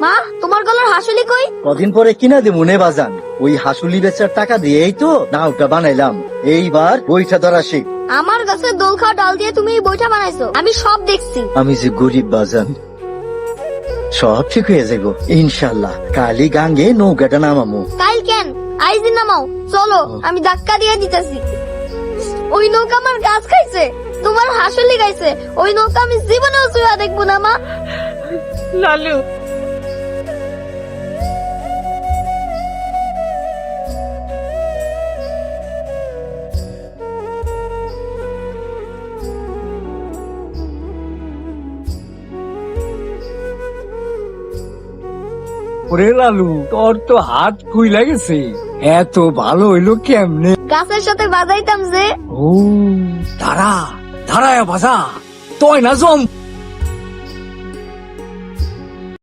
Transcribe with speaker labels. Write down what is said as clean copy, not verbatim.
Speaker 1: মা, তোমার গলার হাসুলি কই?
Speaker 2: কদিন পরে কিনা দিব নে বাজান। ওই হাসুলি বেচার টাকা দিয়েই তো নাওটা বানাইলাম। এইবার বইটা ধরা শিখ।
Speaker 1: আমার গাছের দোল খাওয়া ডাল দিয়ে তুমি এই বইটা বানাইছো, আমি সব দেখছি।
Speaker 2: আমি যে গরিব বাজান, সব ঠিক হয়ে যাবো ইনশাল্লাহ। কালি গাঙ্গে নৌকাটা নামামু।
Speaker 1: কাল কেন, আইজি নামাও, চলো আমি ধাক্কা দিয়ে দিতেছি। ওই নৌকা আমার গাছ খাইছে, তোমার হাসুলি খাইছে। ওই নৌকা আমি জীবনেও চুয়া দেখবো না মা।
Speaker 3: লালু,
Speaker 4: ওরে লালু, তোর তো হাত খুইলা গেছে, এত ভালো হইলো কেমনে?
Speaker 1: গাছের সাথে বাজাইতাম যে।
Speaker 4: ও দাঁড়া, দাঁড়ায় বাজা, তুই না জম